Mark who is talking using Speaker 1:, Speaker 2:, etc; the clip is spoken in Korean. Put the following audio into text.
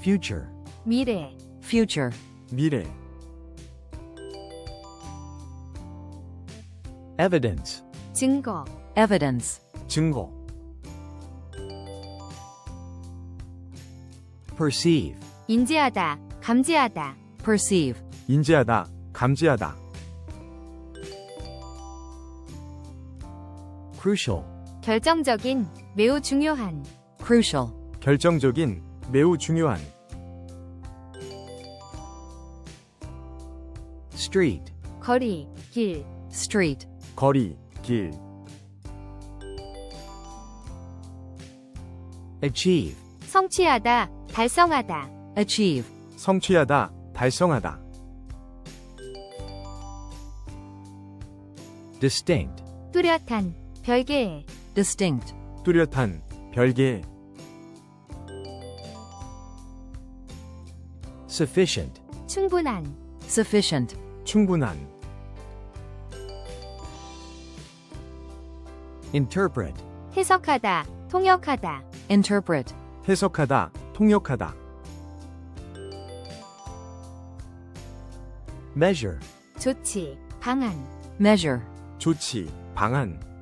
Speaker 1: future,
Speaker 2: 미래,
Speaker 3: future,
Speaker 1: 미래. evidence,
Speaker 2: 증거,
Speaker 3: evidence,
Speaker 1: 증거. perceive,
Speaker 2: 인지하다, 감지하다,
Speaker 3: perceive,
Speaker 1: 인지하다, 감지하다. crucial,
Speaker 2: 결정적인, 매우 중요한,
Speaker 3: crucial,
Speaker 1: 결정적인, 매우 중요한. street,
Speaker 2: 거리, 길,
Speaker 3: street,
Speaker 1: 거리, 길. achieve,
Speaker 2: 성취하다, 달성하다,
Speaker 3: achieve,
Speaker 1: 성취하다, 달성하다. distinct,
Speaker 2: 뚜렷한, 별개의,
Speaker 3: distinct,
Speaker 1: 뚜렷한, 별개의. sufficient,
Speaker 2: 충분한,
Speaker 3: sufficient,
Speaker 1: 충분한. interpret,
Speaker 2: 해석하다, 통역하다,
Speaker 3: interpret,
Speaker 1: 해석하다, 통역하다. measure,
Speaker 2: 조치, 방안,
Speaker 3: measure,
Speaker 1: 조치, 방안.